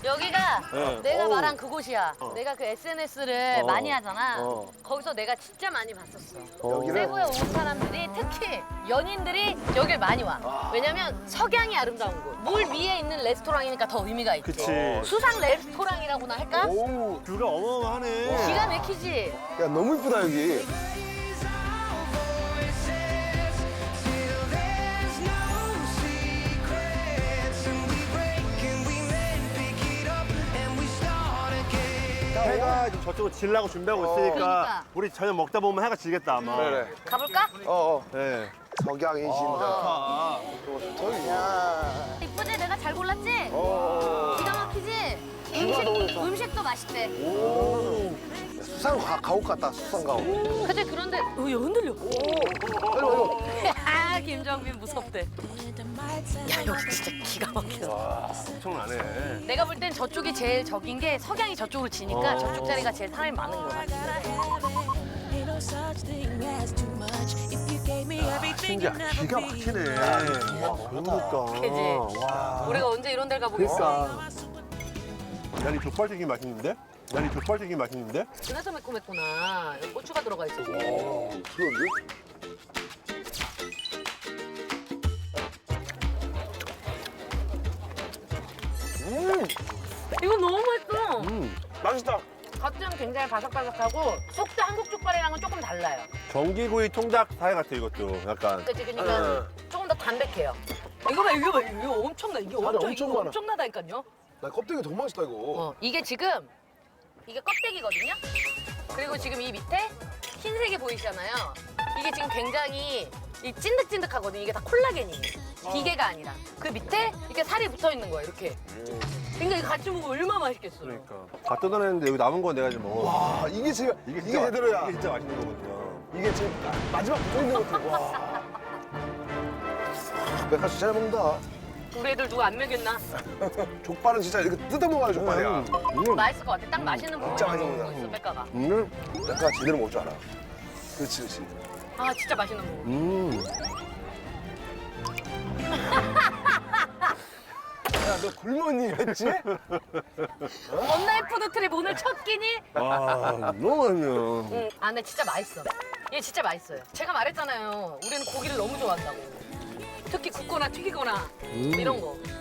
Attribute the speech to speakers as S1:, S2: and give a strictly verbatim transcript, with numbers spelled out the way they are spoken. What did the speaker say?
S1: 여기가
S2: 네.
S1: 내가
S2: 어우.
S1: 말한 그곳이야.
S2: 어.
S1: 내가 그 에스엔에스를
S2: 어.
S1: 많이 하잖아.
S2: 어.
S1: 거기서 내가 진짜 많이 봤었어.
S2: 여기를?
S1: 세부에 온 사람들이 특히 연인들이 여길 많이 와. 왜냐면 석양이 아름다운 곳. 물 위에 있는 레스토랑이니까 더 의미가 있지.
S2: 그치.
S1: 수상 레스토랑이라고나 할까?
S3: 오.
S2: 뷰가 어마어마하네.
S1: 기가 막히지.
S3: 야, 너무 이쁘다, 여기.
S2: 해가 지금 저쪽으로 질라고 준비하고 있으니까
S1: 그러니까.
S2: 우리 저녁 먹다 보면 해가 지겠다 아마.
S3: 그래, 그래.
S1: 가볼까?
S3: 어, 어.
S2: 네.
S3: 석양이 진다.
S2: 아,
S3: 저기야.
S1: 이쁘지? 내가 잘 골랐지?
S3: 어.
S1: 기가 막히지?
S3: 뷰가 너무
S1: 음식,
S3: 좋다.
S1: 음식도 맛있대.
S3: 오. 수상 가, 가옥 같다, 수상 가옥.
S1: 그치, 그런데 어, 얘 흔들려.
S3: 아이고, 아이고.
S1: 아, 김정민 무섭대. 야, 여기 진짜 기가 막혀.
S2: 와, 엄청나네.
S1: 내가 볼 땐 저쪽이 제일 적인 게 석양이 저쪽으로 지니까
S2: 어.
S1: 저쪽 자리가 제일 사람이 많은 것 같아.
S2: 신기하, 기가 막히네. 와, 그러니까.
S1: 그지?
S2: 와.
S1: 우리가 언제 이런 데를 가보겠어?
S2: 그러니까. 난이 족발튀김 맛있는데? 난이 족발튀김 맛있는데?
S1: 그래서 매콤했구나. 여기 고추가 들어가 있어.
S3: 오, 그런데? 음,
S1: 이거 너무 맛있어.
S2: 음.
S3: 맛있다.
S1: 겉은 굉장히 바삭바삭하고 속도 한국 족발이랑은 조금 달라요.
S2: 전기구이 통닭 사이 같아 이것도 약간.
S1: 그치? 그러니까 조금 더 담백해요. 이거 봐, 이거 봐, 이거 엄청나. 이게
S3: 맞아,
S1: 엄청,
S3: 엄청
S1: 이거
S3: 많아.
S1: 엄청나다니까요.
S3: 나 껍데기 더 맛있다, 이거.
S1: 어, 이게 지금 이게 껍데기거든요. 그리고 지금 이 밑에 흰색이 보이시잖아요. 이게 지금 굉장히 이 찐득찐득하거든요. 이게 다 콜라겐이에요. 기계가 아니라. 그 밑에 이렇게 살이 붙어 있는 거예요. 이렇게. 그러니까 이거 같이 먹으면 얼마나 맛있겠어요.
S2: 그러니까. 다 뜯어냈는데 여기 남은 건 내가 지금 먹어.
S3: 와, 이게 제가, 이게,
S2: 진짜 맛-
S3: 제대로야.
S2: 이게 진짜 맛있는 거거든요.
S3: 이게 제 마지막 붙어 있는 것 같아. 와. 백화수 잘 먹는다.
S1: 우리 애들 누가 안 먹였나?
S3: 족발은 진짜 이렇게 뜯어 먹어야 족발이야.
S2: 음.
S1: 맛있을 것 같아. 딱 맛있는 부분
S3: 진짜
S1: 먹고
S3: 맛있는
S1: 있어, 백가가.
S2: 음.
S3: 백화 제대로 먹을 줄 알아. 그렇지, 그렇지.
S1: 아, 진짜 맛있는 부분.
S2: 음.
S3: 야, 너 굶었니, 했지?
S1: 원나잇 푸드트립 오늘 첫 끼니?
S2: 아, 너무 맛있네요.
S1: 응. 아, 근데 진짜 맛있어. 얘 진짜 맛있어요. 제가 말했잖아요. 우리는 고기를 너무 좋아한다고. 특히 굽거나 튀기거나 이런 거.